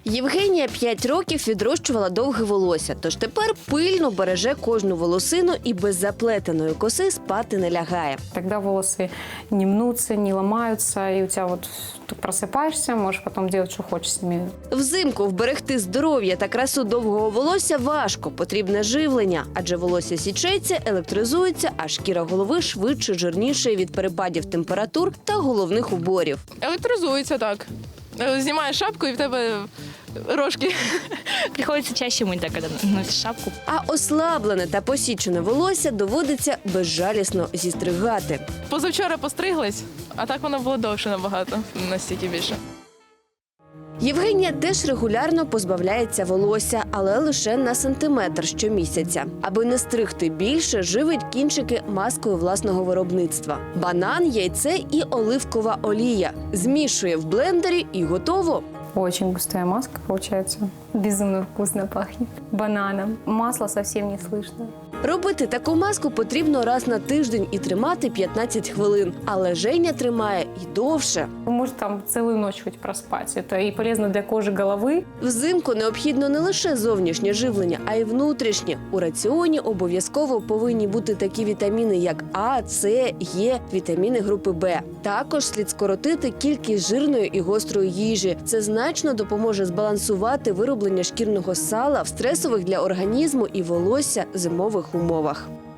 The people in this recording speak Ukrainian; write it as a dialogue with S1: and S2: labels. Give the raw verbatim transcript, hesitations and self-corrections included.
S1: Євгенія п'ять років відрощувала довге волосся, тож тепер пильно береже кожну волосину і без заплетеної коси спати не лягає.
S2: Тогда волосы не мнутся, не ломаются, и у тебя вот ты просыпаешься, можешь потом делать, что хочешь с ними.
S1: Взимку вберегти здоров'я та красу довгого волосся важко. Потрібне живлення, адже волосся січеться, електризується, а шкіра голови швидше жирніше від перепадів температур та головних уборів.
S3: Електризується так. Знімаєш шапку і в тебе рожки.
S4: Приходится чаще мыть, да, когда носишь шапку.
S1: А ослаблене та посічене волосся доводиться безжалісно зістригати.
S3: Позавчора постриглась, а так воно було довше набагато, настільки більше.
S1: Євгенія теж регулярно позбавляється волосся, але лише на сантиметр щомісяця. Аби не стригти більше, живить кінчики маскою власного виробництва. Банан, яйце і оливкова олія. Змішує в блендері і готово.
S2: Очень густая маска получается. Безумно вкусно пахнет. Бананом. Масла совсем не слышно.
S1: Робити таку маску потрібно раз на тиждень і тримати п'ятнадцять хвилин. Але Женя тримає і довше.
S2: Может там целую ночь хоть проспать. Это и полезно для кожи головы.
S1: Взимку необхідно не лише зовнішнє живлення, а й внутрішнє. У раціоні обов'язково повинні бути такі вітаміни, як А, С, Е, вітаміни групи Б. Також слід скоротити кількість жирної і гострої їжі. Це значно допоможе збалансувати вироблення шкірного сала в стресових для організму і волосся зимових умовах.